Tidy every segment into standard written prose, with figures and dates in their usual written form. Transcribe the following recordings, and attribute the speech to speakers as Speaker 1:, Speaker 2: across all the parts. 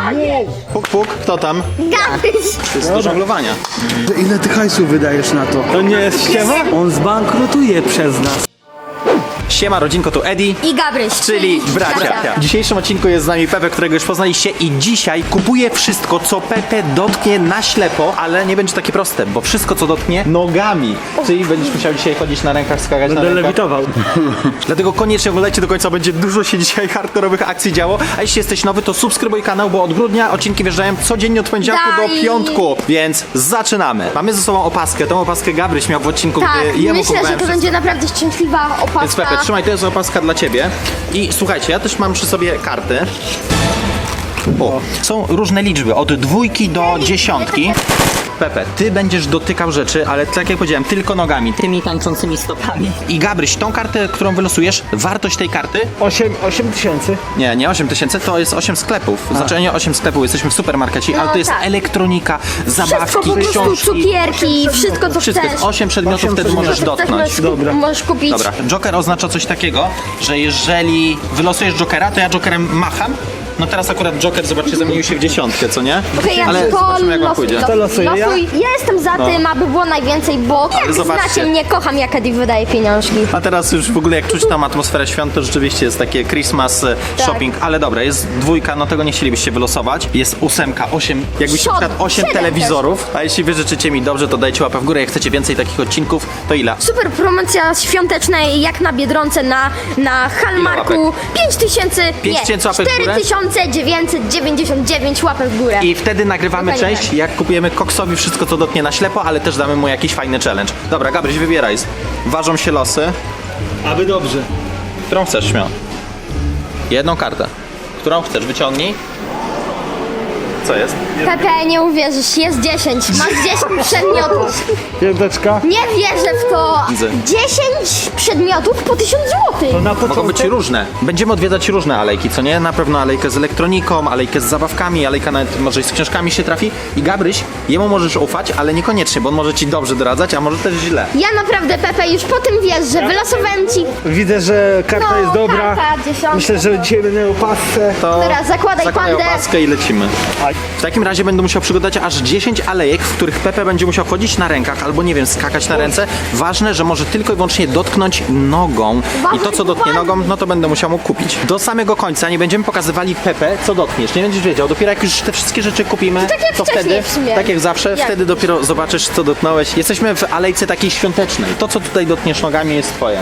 Speaker 1: Puk, puk, kto tam?
Speaker 2: Gabryś.
Speaker 1: To jest do żonglowania.
Speaker 3: Ile ty hajsu wydajesz na to?
Speaker 4: To nie jest ściema? On zbankrutuje przez nas.
Speaker 1: Siema rodzinko, tu Eddie,
Speaker 2: I Gabryś.
Speaker 1: czyli bracia. W dzisiejszym odcinku jest z nami Pepe, którego już poznaliście i dzisiaj kupuje wszystko, co Pepe dotknie na ślepo, ale nie będzie takie proste, bo wszystko, co dotknie nogami. Czyli będziesz musiał dzisiaj chodzić na rękach, skakać na
Speaker 4: Będę
Speaker 1: rękach.
Speaker 4: lewitował.
Speaker 1: Dlatego koniecznie oglądajcie do końca, będzie dużo się dzisiaj hardkorowych akcji działo. A jeśli jesteś nowy, to subskrybuj kanał, bo od grudnia odcinki wjeżdżają codziennie od poniedziałku do
Speaker 2: Daj.
Speaker 1: piątku. Więc zaczynamy. Mamy ze sobą opaskę. Tą opaskę Gabryś miał w odcinku,
Speaker 2: Tak,
Speaker 1: gdy jemu
Speaker 2: myślę, że
Speaker 1: kupowałem
Speaker 2: to
Speaker 1: wszystko.
Speaker 2: będzie naprawdę szczęśliwa opaska.
Speaker 1: Więc Pepe, trzymaj, to jest opaska dla ciebie. I słuchajcie, ja też mam przy sobie karty. O, są różne liczby, od 2 do 10. Pepe, ty będziesz dotykał rzeczy, ale tak jak powiedziałem, tylko nogami, tymi tańczącymi stopami. I Gabryś, tą kartę, którą wylosujesz, wartość tej karty?
Speaker 4: 8 tysięcy.
Speaker 1: Nie 8 tysięcy, to jest 8 sklepów. Znaczy nie 8 sklepów, jesteśmy w supermarkecie, ale to jest
Speaker 2: tak.
Speaker 1: elektronika,
Speaker 2: Wszystko
Speaker 1: zabawki,
Speaker 2: po prostu,
Speaker 1: książki.
Speaker 2: cukierki, wszystko co
Speaker 1: Wszystko
Speaker 2: chcesz.
Speaker 1: jest 8 przedmiotów,
Speaker 4: Osiem
Speaker 1: wtedy możesz
Speaker 4: przedmiotów.
Speaker 1: dotknąć.
Speaker 4: Dobra.
Speaker 2: Możesz kupić.
Speaker 1: Dobra, Joker oznacza coś takiego, że jeżeli wylosujesz Jokera, to ja Jokerem macham. No teraz akurat Joker, zobaczcie, zamienił się w 10, co nie?
Speaker 2: Okej, ja
Speaker 1: Ale
Speaker 2: tylko
Speaker 1: zobaczymy, jak wam pójdzie.
Speaker 4: To losuję ja?
Speaker 2: losuj. Ja jestem za tym, aby było najwięcej, bo jak
Speaker 1: zobaczcie.
Speaker 2: znacie mnie, kocham jak Eddie wydaje pieniążki.
Speaker 1: A teraz już w ogóle jak czuć tam atmosferę świąt, to rzeczywiście jest takie Christmas shopping, ale dobra, jest 2, no tego nie chcielibyście wylosować. Jest 8, jakbyście na przykład 8
Speaker 2: 7
Speaker 1: telewizorów, a jeśli wy życzycie mi dobrze, to dajcie łapę w górę, jak chcecie więcej takich odcinków, to ile?
Speaker 2: Super promocja świąteczna jak na Biedronce, na Hallmarku. 5000,
Speaker 1: 5000 łapek w górę?
Speaker 2: 4999 łapek w górę.
Speaker 1: I wtedy nagrywamy
Speaker 2: Dokładnie
Speaker 1: część,
Speaker 2: tak.
Speaker 1: jak kupujemy Koksowi wszystko, co dotknie na ślepo, ale też damy mu jakiś fajny challenge. Dobra, Gabryś, wybieraj. Ważą się losy.
Speaker 4: Aby dobrze.
Speaker 1: Którą chcesz, śmiało? Jedną kartę. Którą chcesz? Wyciągnij. Co jest?
Speaker 2: Pepe, nie uwierzysz, jest 10. Masz 10 przedmiotów.
Speaker 4: Piąteczka.
Speaker 2: Nie wierzę w to.
Speaker 1: Widzę.
Speaker 2: 10 przedmiotów po 1000 zł.
Speaker 4: To na
Speaker 1: Mogą być
Speaker 4: początek.
Speaker 1: różne. Będziemy odwiedzać różne alejki, co nie? Na pewno alejkę z elektroniką, alejkę z zabawkami, alejka nawet może i z książkami się trafi. I Gabryś, jemu możesz ufać, ale niekoniecznie, bo on może ci dobrze doradzać, a może też źle.
Speaker 2: Ja naprawdę, Pepe, już po tym wiesz, że wylosowałem ci.
Speaker 4: Widzę, że karta
Speaker 2: No,
Speaker 4: jest dobra.
Speaker 2: karta, 10.
Speaker 4: Myślę, że dzisiaj będę miał pasę.
Speaker 1: To
Speaker 2: Dobra, zakładaj pandę.
Speaker 1: opaskę i lecimy. W takim razie będę musiał przygotować aż 10 alejek, w których Pepe będzie musiał chodzić na rękach albo nie wiem, skakać na ręce. Ważne, że może tylko i wyłącznie dotknąć nogą. I to, co dotknie nogą, no to będę musiał mu kupić. Do samego końca nie będziemy pokazywali Pepe, co dotkniesz. Nie będziesz wiedział. Dopiero jak już te wszystkie rzeczy kupimy,
Speaker 2: tak jak
Speaker 1: to
Speaker 2: wcześniej
Speaker 1: wtedy,
Speaker 2: w sumie.
Speaker 1: tak jak zawsze,
Speaker 2: Jak?
Speaker 1: wtedy dopiero zobaczysz, co dotknąłeś. Jesteśmy w alejce takiej świątecznej. To, co tutaj dotkniesz nogami, jest twoje.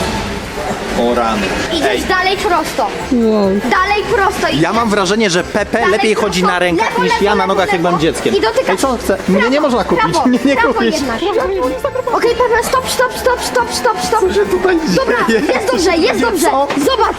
Speaker 1: O rany.
Speaker 2: Idziesz dalej prosto. Dalej prosto.
Speaker 1: Ja mam wrażenie, że Pepe
Speaker 2: Dalej
Speaker 1: lepiej
Speaker 2: prosto.
Speaker 1: chodzi na rękach
Speaker 2: Lewo,
Speaker 1: niż
Speaker 2: lewo,
Speaker 1: ja na
Speaker 2: lewo,
Speaker 1: nogach, jak
Speaker 2: lewo.
Speaker 1: byłem dzieckiem.
Speaker 2: I dotykasz.
Speaker 1: Ej, co on chce? Mnie
Speaker 2: Prawo,
Speaker 1: nie można kupić.
Speaker 2: prawo,
Speaker 1: Mnie nie
Speaker 2: prawo
Speaker 1: kupić.
Speaker 2: jednak. Okej, Pepe, stop.
Speaker 1: że tutaj
Speaker 2: Dobra,
Speaker 1: dzieje?
Speaker 2: jest dobrze, jest dobrze.
Speaker 1: Co?
Speaker 2: Zobacz.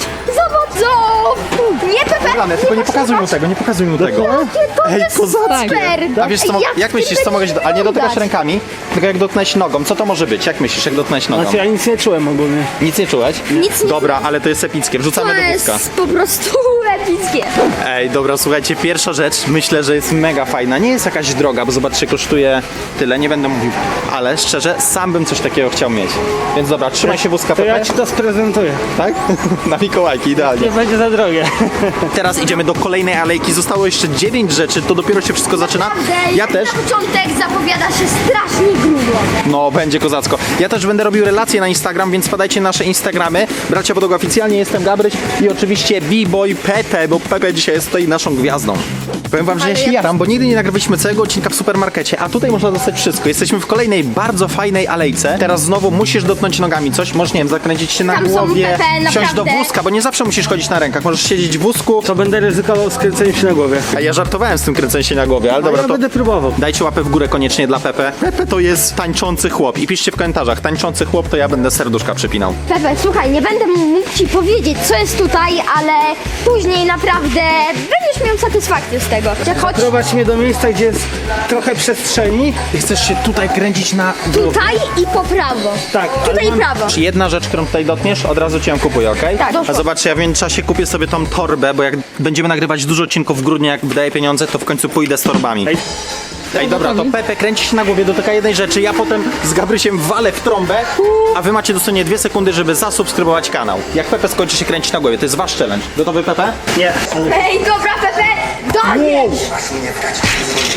Speaker 2: Nie, Pepe.
Speaker 1: Rany, tylko nie pokazuj mu tego, nie pokazuj mu tego.
Speaker 2: To
Speaker 1: Ej,
Speaker 2: jest
Speaker 1: kozackie.
Speaker 2: super.
Speaker 1: A wiesz co, jak myślisz, co mogę... A nie dotykasz rękami, tylko jak dotknąć nogą, co to może być? Jak myślisz, jak dotknąć nogą?
Speaker 4: Znaczy ja nic nie czułem ogólnie.
Speaker 1: Nic nie czułeś?
Speaker 2: Nic nie
Speaker 1: Dobra, ale to jest epickie,
Speaker 2: To
Speaker 1: wrzucamy do wózka.
Speaker 2: jest po prostu epickie.
Speaker 1: Ej, dobra, słuchajcie, pierwsza rzecz, myślę, że jest mega fajna. Nie jest jakaś droga, bo zobaczcie, kosztuje tyle, nie będę mówił. Ale szczerze, sam bym coś takiego chciał mieć. Więc dobra, trzymaj się wózka,
Speaker 4: To ja
Speaker 1: Pepe.
Speaker 4: ci to sprezentuję.
Speaker 1: Tak? Na Mikołajki, idealnie.
Speaker 4: Nie będzie za drogie.
Speaker 1: Teraz idziemy do kolejnej alejki. Zostało jeszcze 9 rzeczy, to dopiero się wszystko zaczyna. Ja też.
Speaker 2: Na początek zapowiada się strasznie grubo.
Speaker 1: No, będzie kozacko. Ja też będę robił relacje na Instagram, więc podajcie nasze Instagramy. Bracia Podłoga oficjalnie, jestem Gabryś i oczywiście B-Boy Pepe, bo Pepe dzisiaj jest tutaj naszą gwiazdą. Powiem wam, że ja się jaram, bo nigdy nie nagrywaliśmy całego odcinka w supermarkecie, a tutaj można dostać wszystko. Jesteśmy w kolejnej bardzo fajnej alejce. Teraz znowu musisz dotknąć nogami coś, możesz, nie wiem, zakręcić się na
Speaker 2: Tam są,
Speaker 1: głowie,
Speaker 2: Pepe,
Speaker 1: wsiąść do
Speaker 2: naprawdę.
Speaker 1: wózka, bo nie zawsze musisz chodzić na rękach. Możesz siedzieć w wózku.
Speaker 4: To będę ryzykował skręceniem się na głowie.
Speaker 1: A ja żartowałem z tym kręceniem się na głowie, ale
Speaker 4: No
Speaker 1: dobra,
Speaker 4: ja
Speaker 1: to...
Speaker 4: będę próbował.
Speaker 1: Dajcie łapę w górę koniecznie dla Pepe. Pepe to jest tańczący chłop. I piszcie w komentarzach, tańczący chłop, to ja będę serduszka przypinał.
Speaker 2: Pepe, słuchaj, nie będę mógł ci powiedzieć, co jest tutaj, ale później naprawdę będziesz miał satysfakcję z tego. Chodź
Speaker 4: Prowadź mnie do miejsca, gdzie jest trochę przestrzeni.
Speaker 1: Ty chcesz się tutaj kręcić na...
Speaker 2: tutaj i po prawo.
Speaker 4: Tak,
Speaker 2: Tutaj
Speaker 4: ale
Speaker 2: i
Speaker 4: mam-
Speaker 2: prawo.
Speaker 1: Jedna rzecz, którą tutaj dotkniesz, od razu cię ją kupuję, okej?
Speaker 2: Tak,
Speaker 1: A
Speaker 2: doszło.
Speaker 1: zobaczcie, ja w międzyczasie kupię sobie tą torbę, bo jak będziemy nagrywać dużo odcinków w grudniu, jak wydaję pieniądze, to w końcu pójdę z torbami.
Speaker 4: Ej.
Speaker 1: Ej, dobra, to Pepe kręci się na głowie, dotyka jednej rzeczy, ja potem z Gabrysiem walę w trąbę, a wy macie dosłownie 2 sekundy, żeby zasubskrybować kanał. Jak Pepe skończy się kręcić na głowie, to jest wasz challenge. Gotowy, Pepe?
Speaker 4: Nie.
Speaker 2: Ej, dobra, Pepe, dajesz!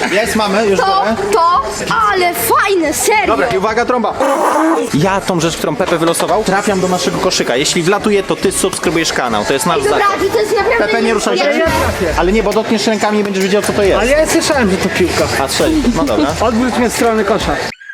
Speaker 1: Jest, mamy, już biorę.
Speaker 2: Ale fajne, serio.
Speaker 1: Dobra, i uwaga, trąba. Ja tą rzecz, którą Pepe wylosował, trafiam do naszego koszyka. Jeśli wlatuje, to ty subskrybujesz kanał. To jest nasz
Speaker 2: Dobra,
Speaker 1: zakład.
Speaker 2: to jest naprawdę...
Speaker 1: Pepe, nie ruszaj się.
Speaker 2: Ja-
Speaker 1: Ale nie, bo dotkniesz rękami i będziesz wiedział, co to jest.
Speaker 4: Ale ja słyszałem, że to piłka.
Speaker 1: A strzeli. No dobra.
Speaker 4: Odwróć mnie w stronę kosza.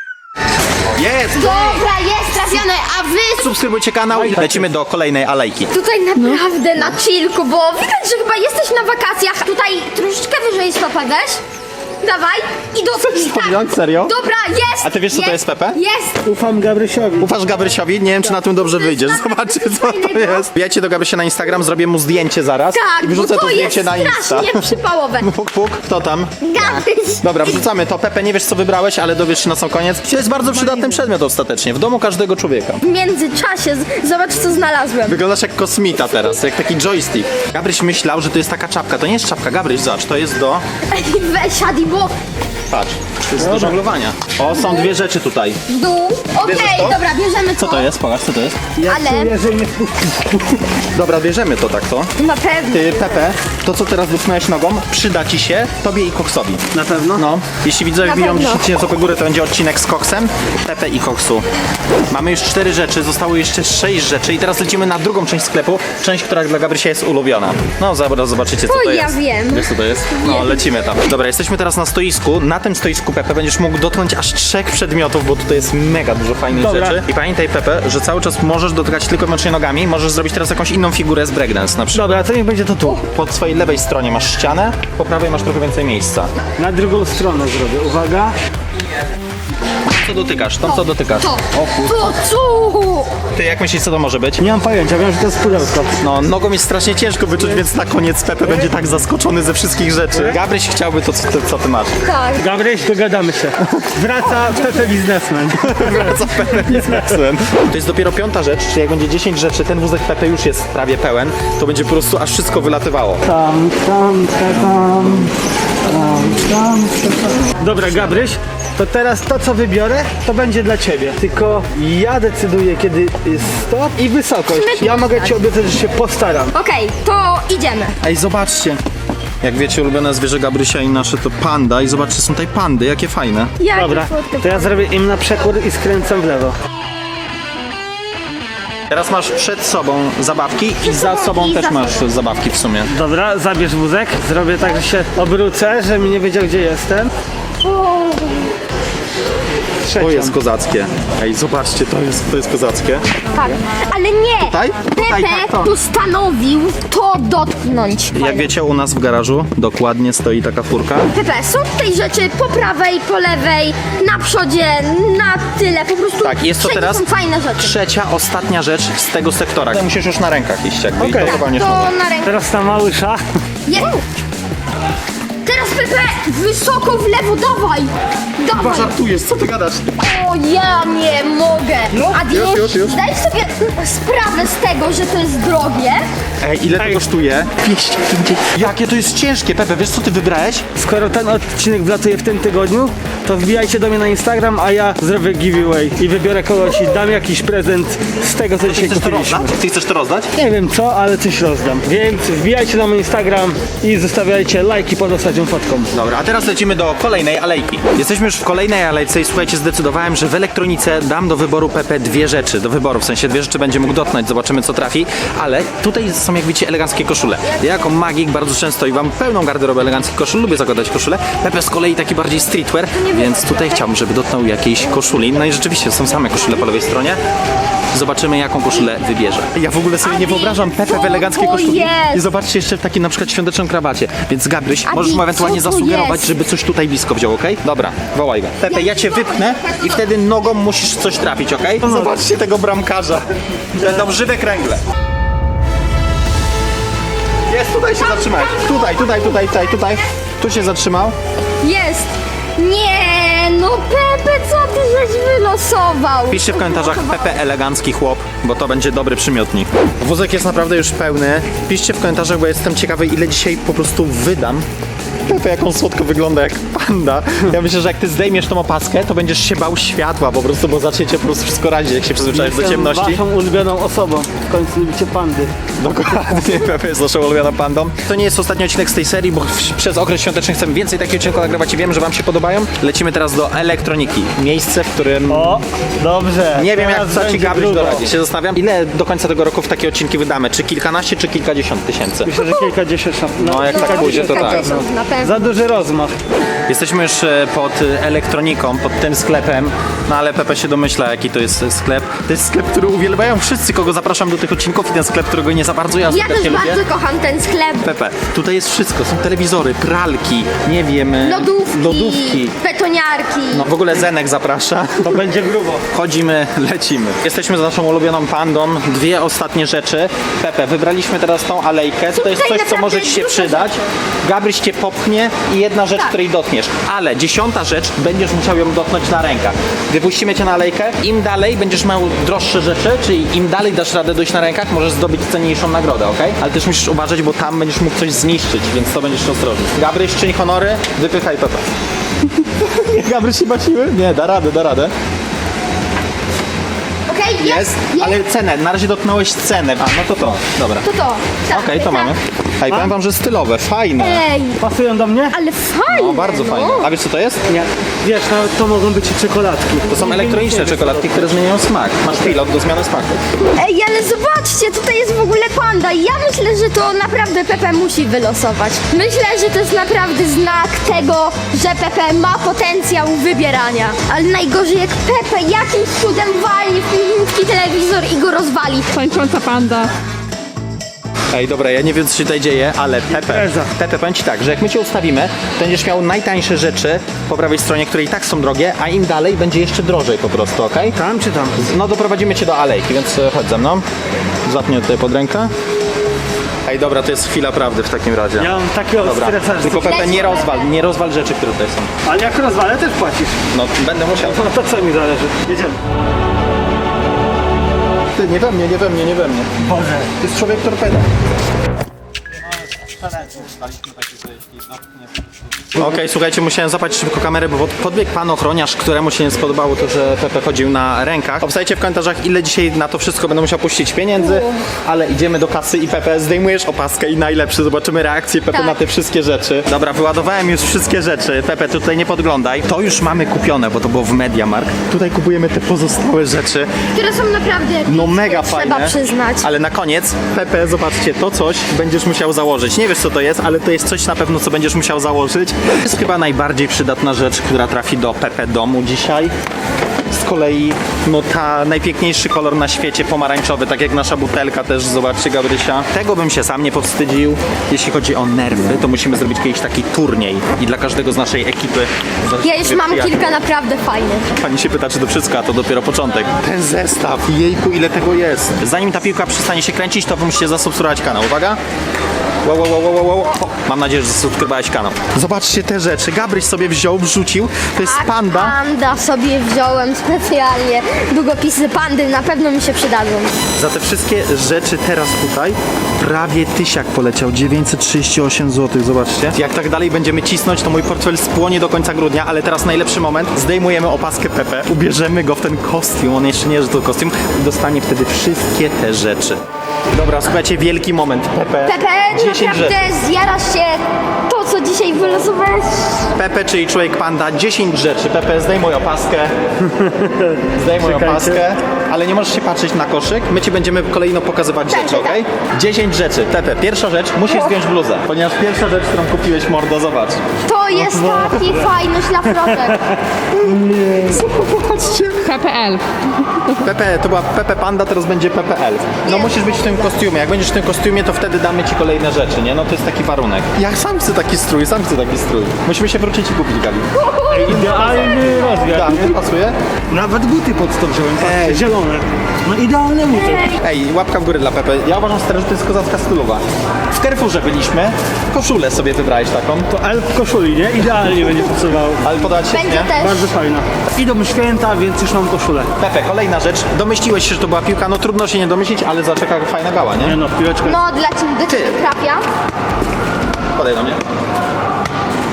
Speaker 1: Jest!
Speaker 2: Dobra, jest trafione, a wy
Speaker 1: Subskrybujcie kanał i lecimy do kolejnej alejki.
Speaker 2: tutaj naprawdę na chillku, bo widać, że chyba jesteś na wakacjach. Tutaj troszeczkę wyżej stopę weź. Dawaj i do...
Speaker 1: podjąć? Serio?
Speaker 2: Dobra, jest!
Speaker 1: A ty wiesz, co to jest, Pepe?
Speaker 2: Jest!
Speaker 4: Ufam Gabrysiowi.
Speaker 1: Ufasz Gabrysiowi? Nie wiem, czy na tym dobrze wyjdziesz. Zobaczcie, co to jest. Wbijajcie do Gabrysia na Instagram, zrobię mu zdjęcie zaraz.
Speaker 2: Tak,
Speaker 1: I wyrzucę
Speaker 2: bo
Speaker 1: to
Speaker 2: to jest
Speaker 1: zdjęcie na Insta.
Speaker 2: strasznie przypałowe.
Speaker 1: Puk, puk. Kto tam?
Speaker 2: Gabryś!
Speaker 1: Dobra, wrzucamy to. Pepe, nie wiesz, co wybrałeś, ale dowiesz się na sam koniec. To jest bardzo przydatny przedmiot ostatecznie. W domu każdego człowieka.
Speaker 2: W międzyczasie zobacz, co znalazłem.
Speaker 1: Wyglądasz jak kosmita teraz, jak taki joystick. Gabryś myślał, że to jest taka czapka. To nie jest czapka, Gabryś, zobacz, to jest do...
Speaker 2: Ej, weź, Adi, bo
Speaker 1: Patrz, to jest do żonglowania. O, są dwie rzeczy tutaj.
Speaker 2: w dół. Okej,
Speaker 1: Bierzesz to?
Speaker 2: dobra, bierzemy to.
Speaker 1: Co to jest? Pokaż, co to jest?
Speaker 2: Ale
Speaker 4: Czuję, że nie wpuści.
Speaker 1: Dobra, bierzemy to tak to.
Speaker 2: na pewno.
Speaker 1: Ty, Pepe, to co teraz dotknąłeś nogą, przyda ci się, tobie i Koksowi.
Speaker 4: Na pewno?
Speaker 1: No, jeśli widzowie
Speaker 2: Na
Speaker 1: biją
Speaker 2: pewno.
Speaker 1: 10 tysięcy łapek górę, to będzie odcinek z Koksem, Pepe i Koksu. Mamy już 4 rzeczy, zostało jeszcze 6 rzeczy i teraz lecimy na drugą część sklepu, część, która dla Gabrysia jest ulubiona. No, zaraz zobaczycie, co
Speaker 2: O,
Speaker 1: to
Speaker 2: ja
Speaker 1: jest.
Speaker 2: wiem.
Speaker 1: Wiesz, co to jest? No, lecimy tam. Dobra, jesteśmy teraz na stoisku. Na tym stoisku, Pepe, będziesz mógł dotknąć aż 3 przedmiotów, bo tutaj jest mega dużo fajnych
Speaker 4: Dobra.
Speaker 1: rzeczy. I pamiętaj, Pepe, że cały czas możesz dotykać tylko i wyłącznie nogami, możesz zrobić teraz jakąś inną figurę z breakdance na przykład.
Speaker 4: Dobra, to niech będzie to tu.
Speaker 1: Po swojej lewej stronie masz ścianę, po prawej masz trochę więcej miejsca.
Speaker 4: Na drugą stronę zrobię. Uwaga.
Speaker 1: Co dotykasz? Tam co dotykasz?
Speaker 2: To,
Speaker 1: O kur...
Speaker 2: to, co?
Speaker 1: Ty jak myślisz, co to może być?
Speaker 4: Nie mam pojęcia, wiem, że to jest pudełko.
Speaker 1: No, nogą jest strasznie ciężko wyczuć, więc na koniec Pepe będzie tak zaskoczony ze wszystkich rzeczy. Gabryś chciałby to, co ty masz.
Speaker 2: Tak.
Speaker 4: Gabryś, dogadamy się. Wraca Pepe biznesmen.
Speaker 1: Wraca Pepe biznesem. To jest dopiero 5. rzecz, czyli jak będzie 10 rzeczy, ten wózek Pepe już jest prawie pełen, to będzie po prostu aż wszystko wylatywało.
Speaker 4: Tam. Dobra, Gabryś, to teraz to, co wybiorę, to będzie dla ciebie. Tylko ja decyduję, kiedy jest stop i wysokość. Ja mogę ci obiecać, że się postaram.
Speaker 2: Okej, to idziemy.
Speaker 1: Ej, zobaczcie. Jak wiecie, ulubione zwierzę Gabrysia i nasze to panda. I zobaczcie, są tutaj pandy, jakie fajne.
Speaker 2: Jakie
Speaker 4: Dobra,
Speaker 2: słodkie
Speaker 4: to ja zrobię im na przekór i skręcam w lewo.
Speaker 1: Teraz masz przed sobą zabawki i za sobą
Speaker 2: I
Speaker 1: też
Speaker 2: za
Speaker 1: masz zabawki w sumie.
Speaker 4: Dobra, zabierz wózek. Zrobię tak, że się obrócę, żebym nie wiedział, gdzie jestem.
Speaker 1: To jest
Speaker 4: Trzecią.
Speaker 1: kozackie. Ej, zobaczcie, to jest kozackie.
Speaker 2: Tak, ale nie!
Speaker 1: Tutaj? Tutaj,
Speaker 2: Pepe
Speaker 1: tak, to.
Speaker 2: postanowił to dotknąć.
Speaker 1: Jak wiecie, u nas w garażu dokładnie stoi taka furka.
Speaker 2: Pepe, są tutaj rzeczy po prawej, po lewej, na przodzie, na tyle, po prostu
Speaker 1: Tak, jest to
Speaker 2: wszędzie
Speaker 1: teraz
Speaker 2: są fajne rzeczy.
Speaker 1: trzecia, ostatnia rzecz z tego sektora. Musisz już na rękach iść, jakby
Speaker 4: Okej.
Speaker 1: i to walniesz nogą.
Speaker 2: To na rękę.
Speaker 4: Teraz ta małysza.
Speaker 2: Jest! Teraz Pepe, wysoko w lewo, dawaj! Dawaj!
Speaker 1: Żartujesz, co ty gadasz?
Speaker 2: O, ja nie mogę! Adi,
Speaker 1: już.
Speaker 2: zdaj sobie sprawę z tego, że to jest drogie.
Speaker 1: Ej, ile to kosztuje? 250. Jakie to jest ciężkie, Pepe, wiesz co ty wybrałeś?
Speaker 4: Skoro ten odcinek wlatuje w tym tygodniu, to wbijajcie do mnie na Instagram, a ja zrobię giveaway i wybiorę kogoś i dam jakiś prezent z tego, co dzisiaj
Speaker 1: Chcesz to
Speaker 4: kupiliśmy.
Speaker 1: rozdać? Ty chcesz to rozdać?
Speaker 4: Nie wiem co, ale coś rozdam. Więc wbijajcie na mój Instagram i zostawiajcie lajki pod ostatnią fotką.
Speaker 1: Dobra, a teraz lecimy do kolejnej alejki. Jesteśmy już w kolejnej alejce i słuchajcie, zdecydowałem, że w elektronice dam do wyboru Pepe 2 rzeczy. Do wyboru, w sensie 2 rzeczy będzie mógł dotknąć, zobaczymy co trafi. Ale tutaj są, jak widzicie, eleganckie koszule. Ja jako magik bardzo często i mam pełną garderobę eleganckich koszul, lubię zakładać koszule. Pepe z kolei taki bardziej streetwear, więc tutaj chciałbym, żeby dotknął jakiejś koszuli. No i rzeczywiście są same koszule po lewej stronie. Zobaczymy, jaką koszulę wybierze. Ja w ogóle sobie nie
Speaker 2: Adi,
Speaker 1: wyobrażam Pepe
Speaker 2: co
Speaker 1: w eleganckiej
Speaker 2: to
Speaker 1: koszuli.
Speaker 2: jest?
Speaker 1: I zobaczcie jeszcze w takim na przykład świątecznym krawacie. Więc Gabryś,
Speaker 2: Adi,
Speaker 1: możesz mu ewentualnie
Speaker 2: co to
Speaker 1: zasugerować,
Speaker 2: jest?
Speaker 1: żeby coś tutaj blisko wziął, okej? Dobra, wołaj go. Pepe, ja cię wypchnę i wtedy nogą musisz coś trafić, okej? Zobaczcie tego bramkarza. Będą żywe kręgle. Jest, tutaj się zatrzymałeś. Tutaj. Tu się zatrzymał.
Speaker 2: Jest! Nie, no Pepe, co ty żeś wylosował?
Speaker 1: Piszcie w komentarzach Pepe elegancki chłop, bo to będzie dobry przymiotnik. Wózek jest naprawdę już pełny. Piszcie w komentarzach, bo jestem ciekawy, ile dzisiaj po prostu wydam Pepe, jak on słodko wygląda, jak panda. Ja myślę, że jak ty zdejmiesz tą opaskę, to będziesz się bał światła po prostu, bo zaczniecie po prostu wszystko radzić, jak się przyzwyczaisz do ciemności.
Speaker 4: Waszą ulubioną osobą. W końcu lubicie pandy.
Speaker 1: Dokładnie, Pepe jest naszą ulubioną pandą. To nie jest ostatni odcinek z tej serii, bo przez okres świąteczny chcemy więcej takich odcinków nagrywać i wiem, że wam się podobają. Lecimy teraz do elektroniki. Miejsce, w którym...
Speaker 4: O, dobrze.
Speaker 1: Nie wiem, jak
Speaker 4: Teraz
Speaker 1: co ci
Speaker 4: będzie
Speaker 1: Gabryś
Speaker 4: grubo.
Speaker 1: doradzi. Się zastanawiam, ile do końca tego roku w takie odcinki wydamy? Czy kilkanaście, czy kilkadziesiąt tysięcy?
Speaker 4: Myślę, że kilkadziesiąt.
Speaker 1: No, jak tak pójdzie, to tak.
Speaker 2: Kilkadziesiąt na pewno.
Speaker 4: Za duży rozmach.
Speaker 1: Jesteśmy już pod elektroniką, pod tym sklepem, no ale Pepe się domyśla, jaki to jest sklep. To jest sklep, który uwielbiają wszyscy, kogo zapraszam do tych odcinków, i ten sklep, którego nie za bardzo ja
Speaker 2: Ja też
Speaker 1: nie lubię.
Speaker 2: bardzo kocham ten sklep.
Speaker 1: Pepe, tutaj jest wszystko, są telewizory, pralki, nie wiem, lodówki.
Speaker 2: Betoniarki.
Speaker 1: No w ogóle Zenek zaprasza.
Speaker 4: To będzie grubo.
Speaker 1: Chodzimy, lecimy. Jesteśmy z naszą ulubioną pandą. Dwie ostatnie rzeczy. Pepe, wybraliśmy teraz tą alejkę. To jest coś, co
Speaker 2: naprawdę
Speaker 1: może ci się
Speaker 2: dużo
Speaker 1: przydać. Gabryś cię popchnie i jedna rzecz,
Speaker 2: Tak.
Speaker 1: której dotkniesz. Ale 10. rzecz, będziesz musiał ją dotknąć na rękach. Wypuścimy cię na alejkę. Im dalej będziesz miał droższe rzeczy, czyli im dalej dasz radę dojść na rękach, możesz zdobyć cenniejszą nagrodę, ok? Ale też musisz uważać, bo tam będziesz mógł coś zniszczyć, więc to będziesz ostrożny. Gabryś, czyń honory, wypychaj Pepe. Gabryś się baciły? Nie, da radę, da radę.
Speaker 2: Okej,
Speaker 1: Jest, ale cenę, na razie dotknąłeś cenę. A, no to, dobra.
Speaker 2: To. Tak,
Speaker 1: Okej, to
Speaker 2: tak.
Speaker 1: mamy. Hej, powiem wam, że stylowe, fajne.
Speaker 2: Ej,
Speaker 4: Pasują do mnie?
Speaker 2: ale fajne.
Speaker 1: No, bardzo fajne. A wiesz co to jest?
Speaker 4: Nie. Wiesz, no, to mogą być i czekoladki.
Speaker 1: To są elektroniczne czekoladki, które zmieniają smak. Masz pilot do zmiany smaku.
Speaker 2: Ej, ale zobaczcie, tutaj jest w ogóle panda i ja myślę, że to naprawdę Pepe musi wylosować. Myślę, że to jest naprawdę znak tego, że Pepe ma potencjał wybierania. Ale najgorzej jak Pepe jakimś cudem walnie w piękny telewizor i go rozwali.
Speaker 5: Tańcząca panda.
Speaker 1: Ej, dobra, ja nie wiem, co się tutaj dzieje, ale Pepe, powiem ci tak, że jak my cię ustawimy, to będziesz miał najtańsze rzeczy po prawej stronie, które i tak są drogie, a im dalej będzie jeszcze drożej po prostu, okej?
Speaker 4: Tam czy tam?
Speaker 1: No, doprowadzimy cię do alejki, więc chodź ze mną. Zapnij tutaj pod rękę. Ej, dobra, to jest chwila prawdy w takim razie.
Speaker 4: Ja mam takiego
Speaker 1: Dobra,
Speaker 4: stresa, że...
Speaker 1: tylko Pepe, nie rozwal rzeczy, które tutaj są.
Speaker 4: Ale jak rozwalę, też płacisz.
Speaker 1: No, będę musiał.
Speaker 4: No to co mi zależy? Jedziemy.
Speaker 1: Ty, nie we mnie, nie we mnie, nie we mnie.
Speaker 4: Boże.
Speaker 1: To jest człowiek torpeda. Okej, słuchajcie, musiałem zapać szybko kamerę, bo podbiegł pan ochroniarz, któremu się nie spodobało to, że Pepe chodził na rękach. Obstajcie w komentarzach, ile dzisiaj na to wszystko będę musiał puścić pieniędzy, ale idziemy do kasy i Pepe, zdejmujesz opaskę i najlepszy, zobaczymy reakcję Pepe
Speaker 2: Tak.
Speaker 1: na te wszystkie rzeczy. Dobra, wyładowałem już wszystkie rzeczy. Pepe, ty tutaj nie podglądaj. To już mamy kupione, bo to było w MediaMarkt. Tutaj kupujemy te pozostałe rzeczy.
Speaker 2: Które są naprawdę
Speaker 1: No mega
Speaker 2: trzeba
Speaker 1: fajne.
Speaker 2: przyznać.
Speaker 1: Ale na koniec, Pepe, zobaczcie, to coś będziesz musiał założyć. Nie wiesz co to jest, ale to jest coś na pewno, co będziesz musiał założyć. To jest chyba najbardziej przydatna rzecz, która trafi do Pepe domu dzisiaj. Z kolei, no ta najpiękniejszy kolor na świecie, pomarańczowy, tak jak nasza butelka też, zobaczcie Gabrysia. Tego bym się sam nie powstydził. Jeśli chodzi o nerwy, to musimy zrobić kiedyś taki turniej i dla każdego z naszej ekipy.
Speaker 2: Ja już mam kilka naprawdę fajnych.
Speaker 1: Pani się pyta, czy to wszystko, a to dopiero początek. Ten zestaw, jejku, ile tego jest. Zanim ta piłka przestanie się kręcić, to wy musicie zasubskrybować kanał. Uwaga. Wow, wow, wow, wow, wow. O, mam nadzieję, że zasubskrybowałeś kanał. Zobaczcie te rzeczy. Gabryś sobie wziął, wrzucił. To jest
Speaker 2: Tak,
Speaker 1: panda.
Speaker 2: Panda sobie wziąłem specjalnie. Długopisy pandy na pewno mi się przydadzą.
Speaker 1: Za te wszystkie rzeczy teraz tutaj prawie tysiak poleciał. 938 zł, zobaczcie. Jak tak dalej będziemy cisnąć, to mój portfel spłonie do końca grudnia, ale teraz najlepszy moment. Zdejmujemy opaskę Pepe, ubierzemy go w ten kostium. On jeszcze nie jest to kostium. I dostanie wtedy wszystkie te rzeczy. Dobra, słuchajcie, wielki moment. Pepe,
Speaker 2: Pepe,
Speaker 1: 10 rzeczy.
Speaker 2: naprawdę zjarasz się to, co dzisiaj wylosowałeś.
Speaker 1: Pepe, czyli człowiek panda, 10 rzeczy. Pepe, zdejmuj opaskę. Zdejmuj
Speaker 4: Czekajcie.
Speaker 1: opaskę. Ale nie możesz się patrzeć na koszyk. My ci będziemy kolejno pokazywać
Speaker 2: Tak,
Speaker 1: rzeczy,
Speaker 2: tak.
Speaker 1: okej? 10 rzeczy. Pepe, pierwsza rzecz, musisz zdjąć bluzę. Ponieważ pierwsza rzecz, którą kupiłeś, mordo, zobacz.
Speaker 2: To jest taki fajny szlafroczek.
Speaker 5: PPL.
Speaker 1: Pepe, to była Pepe Panda, teraz będzie PPL. No musisz być w tym kostiumie. Jak będziesz w tym kostiumie, to wtedy damy ci kolejne rzeczy, nie? No to jest taki warunek. Ja sam chcę taki strój, Musimy się wrócić i kupić, Gali.
Speaker 4: Idealny rozmiar.
Speaker 1: Tak, nie pasuje?
Speaker 4: Nawet buty pod to wziąłem, patrzcie,
Speaker 1: Ej.
Speaker 4: zielone. No idealne buty.
Speaker 1: Ej, łapka w górę dla Pepe. Ja uważam stary, że to jest kozacka stylowa. W Carrefourze byliśmy, koszulę sobie wybrałeś taką.
Speaker 4: To elf w koszuli, nie? Idealnie będzie pasował.
Speaker 1: Ale podać się,
Speaker 2: Będzie
Speaker 1: nie?
Speaker 2: też.
Speaker 4: Bardzo fajna. Idą święta, więc już mam koszulę.
Speaker 1: Pepe, kolejna rzecz. Domyśliłeś się, że to była piłka. No trudno się nie domyślić, ale zaczeka fajna gała,
Speaker 4: Nie
Speaker 1: nie?
Speaker 4: no, piłeczka.
Speaker 2: No, dla ciebie do ciebie trafia.
Speaker 1: Podaj do mnie.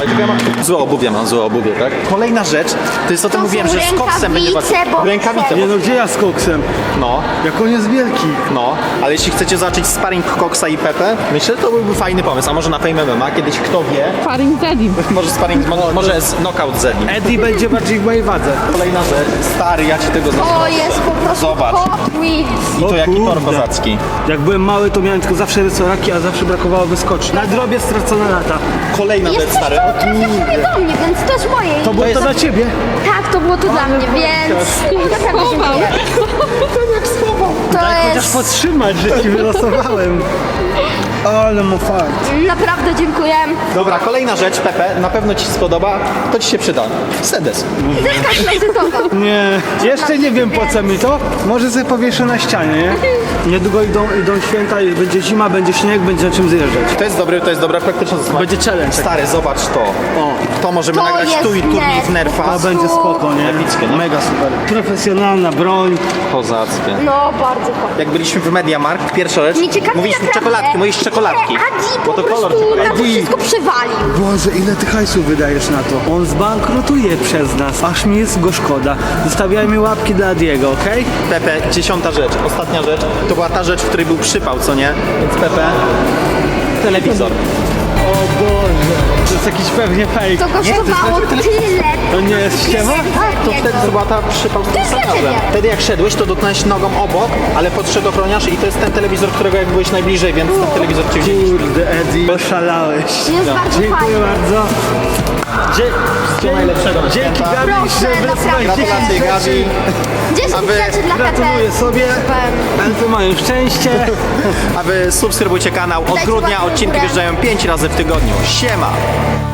Speaker 1: tylko ja mam złe obuwie, tak? Kolejna rzecz, to jest o tym
Speaker 2: To
Speaker 1: mówiłem,
Speaker 2: są
Speaker 1: że z koksem będzie
Speaker 2: rękawice, bo-
Speaker 1: Rękawice,
Speaker 3: Nie no, gdzie ja z koksem?
Speaker 1: no.
Speaker 3: Jak on jest wielki.
Speaker 1: No, ale jeśli chcecie zobaczyć sparring Koksa i Pepe, myślę, że to byłby fajny pomysł. A może na Fame MMA, kiedyś kto wie,
Speaker 5: Faring Zedim.
Speaker 1: może sparring, może z knockout Zedin.
Speaker 4: Eddie będzie bardziej w mojej wadze.
Speaker 1: Kolejna rzecz, stary, ja ci tego
Speaker 2: To
Speaker 1: zazdroszczę.
Speaker 2: jest po prostu
Speaker 1: Zobacz.
Speaker 2: Hot Wheels.
Speaker 1: I to
Speaker 4: O
Speaker 1: jaki tor
Speaker 4: kurde.
Speaker 1: kozacki.
Speaker 4: Jak byłem mały, to miałem tylko zawsze rysoraki, a zawsze brakowało wyskoczni. Na drobie stracone lata.
Speaker 1: Kolejna rzecz,
Speaker 2: Jest coś,
Speaker 1: stary.
Speaker 2: to trafia sobie do mnie, więc to jest moje.
Speaker 4: To było to dla ciebie.
Speaker 2: Tak, to było to dla mnie, więc naprawdę
Speaker 5: Schował.
Speaker 2: dziękuję. To
Speaker 4: Chociaż
Speaker 2: jest...
Speaker 4: podtrzymać, że ci wylosowałem. Ale mu fakt.
Speaker 2: Naprawdę dziękuję.
Speaker 1: Dobra, kolejna rzecz, Pepe, na pewno ci się spodoba, to ci się przyda. Sedes.
Speaker 2: Deskarta wizytowa.
Speaker 4: Nie, jeszcze nie wiem po co mi to. Może sobie powieszę na ścianie, nie? Niedługo idą święta i będzie zima, będzie śnieg, będzie na czym zjeżdżać.
Speaker 1: To jest dobra praktyczna zasada.
Speaker 4: Będzie challenge.
Speaker 1: Stary, zobacz to.
Speaker 4: O,
Speaker 1: To możemy
Speaker 2: To
Speaker 1: nagrać
Speaker 2: jest
Speaker 1: tu i turniej
Speaker 2: net.
Speaker 1: w Nerfa.
Speaker 4: to będzie spoko, nie?
Speaker 1: Epickie, nie?
Speaker 4: Mega super. Profesjonalna broń.
Speaker 1: Kozackie.
Speaker 2: No, bardzo fajnie.
Speaker 1: Jak byliśmy w Mediamarkt, pierwsza rzecz,
Speaker 2: Nie ciekawi
Speaker 1: mówisz
Speaker 2: naprawdę,
Speaker 1: mówisz czekoladki.
Speaker 2: ile Adi
Speaker 1: Bo
Speaker 2: po
Speaker 1: to kolor
Speaker 2: prostu na to
Speaker 1: czekolady.
Speaker 2: wszystko przywalił.
Speaker 3: Boże, ile ty hajsu wydajesz na to?
Speaker 4: On zbankrutuje przez nas, aż mi jest go szkoda. Zostawiajmy łapki dla Diego, okej?
Speaker 1: Pepe, 10. rzecz, ostatnia rzecz, to była ta rzecz, w której był przypał, co nie? Więc Pepe, telewizor.
Speaker 4: O Boże, to jest jakiś pewnie fake.
Speaker 2: To kosztowało tyle.
Speaker 4: To nie jest ściema?
Speaker 1: To wtedy to była ta przypał z tym
Speaker 2: jest dla
Speaker 1: kablem.
Speaker 2: ciebie.
Speaker 1: Wtedy jak szedłeś, to dotknąłeś nogą obok, ale podszedł ochroniarz i to jest ten telewizor, którego jak byłeś najbliżej, więc ten telewizor ci wzięliśmy.
Speaker 4: Kurde, Eddie, oszalałeś.
Speaker 2: Jest bardzo
Speaker 4: Dziękuję
Speaker 2: fajnie.
Speaker 4: bardzo.
Speaker 1: Wszystkiego najlepszego na
Speaker 4: Dzięki
Speaker 1: święta.
Speaker 4: Gabi,
Speaker 2: Proszę,
Speaker 4: że
Speaker 2: naprawdę.
Speaker 1: Gratulacje Gabi.
Speaker 2: 10
Speaker 1: A wy-
Speaker 2: rzeczy dla
Speaker 4: gratuluję
Speaker 2: Pepe.
Speaker 4: sobie.
Speaker 2: Super.
Speaker 4: Elfy mają szczęście.
Speaker 1: A wy subskrybujcie kanał. Od
Speaker 2: Dajcie
Speaker 1: grudnia
Speaker 2: łapkę w
Speaker 1: odcinki
Speaker 2: górę.
Speaker 1: wjeżdżają 5 razy w tygodniu. Siema!